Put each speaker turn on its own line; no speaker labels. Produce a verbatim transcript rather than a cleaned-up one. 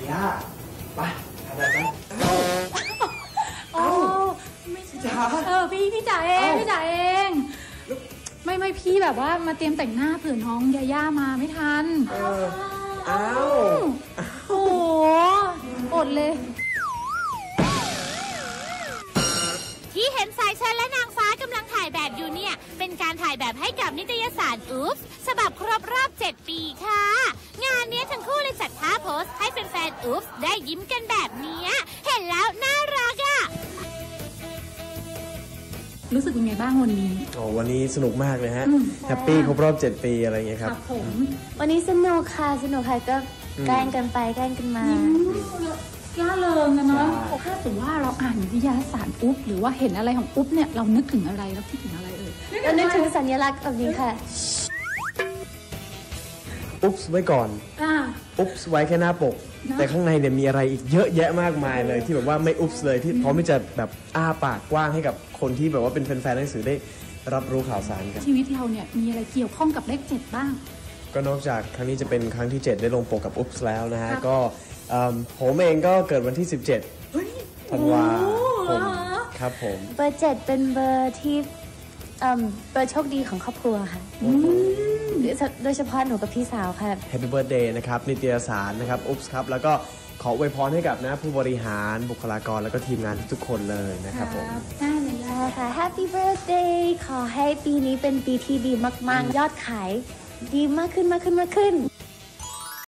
ย่าไปทำอะไรกัน
โอ้ไม่ใช่จ๋าเออพี่พี่จ๋าเองพี่จ๋าเองไม่ไม่พี่แบบว่ามาเตรียมแต่งหน้าเผื่อน้องยาย่ามาไม่ทัน
เอออ้าว
โอ้โหอดเลย
ที่เห็นสายชนและนางฟ้ากำลังถ่ายแบบอยู่เนี่ยเป็นการถ่ายแบบให้กับนิตยสารอุ๊บฉบับครบรอบเจ็ดปีค่ะงานนี้ทั้งคู่เลยจัดท่าโพสให้แฟนๆอุ๊บได้ยิ้มกันแบบนี้เห็นแล้วน่ารักอ่ะ
รู้สึกยังไงบ้างวันนี้
โอ้วันนี้สนุกมากเลยฮะแฮปปี้ครบรอบเจ็ดปีอะไรอย่างเงี้ยครับ
ผม
วันนี้สนุกค่ะสนุกค่ะก็แกล้งกันไปแกล้งกันมา
ล่าเริงนะเนาะถ้าสมมติว่าเราอ่านนิตยสารอุ๊บหรือว่าเห็นอะไรของอุ๊บเนี่ยเรานึกถึงอะไรเราคิดถึงอะไรเอ่ย
เรานึกถึงสัญลักษณ์แบบนี้ค่ะ
อุ๊บไว้ก่อนอุ๊บไว้แค่หน้าปกแต่ข้างในเนี่ยมีอะไรอีกเยอะแยะมากมายเลยที่แบบว่าไม่อุ๊บเลยที่พร้อมที่จะแบบอ้าปากกว้างให้กับคนที่แบบว่าเป็นแฟนๆหนังสือได้รับรู้ข่าวสารกัน
ชีวิตเราเนี่ยมีอะไรเกี่ยวข้องกับเลขเจ็ดบ้าง
ก็นอกจากครั้งนี้จะเป็นครั้งที่เจ็ดได้ลงปกกับอุ๊บแล้วนะฮะก็ผมเองก็เกิดวันที่สิบเจ็ดธันวาคมครับผม
เบอร์เจ็ดเป็นเบอร์ที่เบอร์โชคดีของครอบครัวค่ะโดยเฉพาะหนูกับพี่สาวค่ะ
Happy Birthday นะครับนิตยสารนะครับอุ๊บครับแล้วก็ขออวยพรให้กับนะผู้บริหารบุคลากรแล้วก็ทีมงานทุกคนเลยนะครับผม
ได้เลยค่ะ Happy Birthday ขอให้ปีนี้เป็นปีที่ดีมากๆยอดขายดีมากขึ้นมากขึ้นมากขึ้น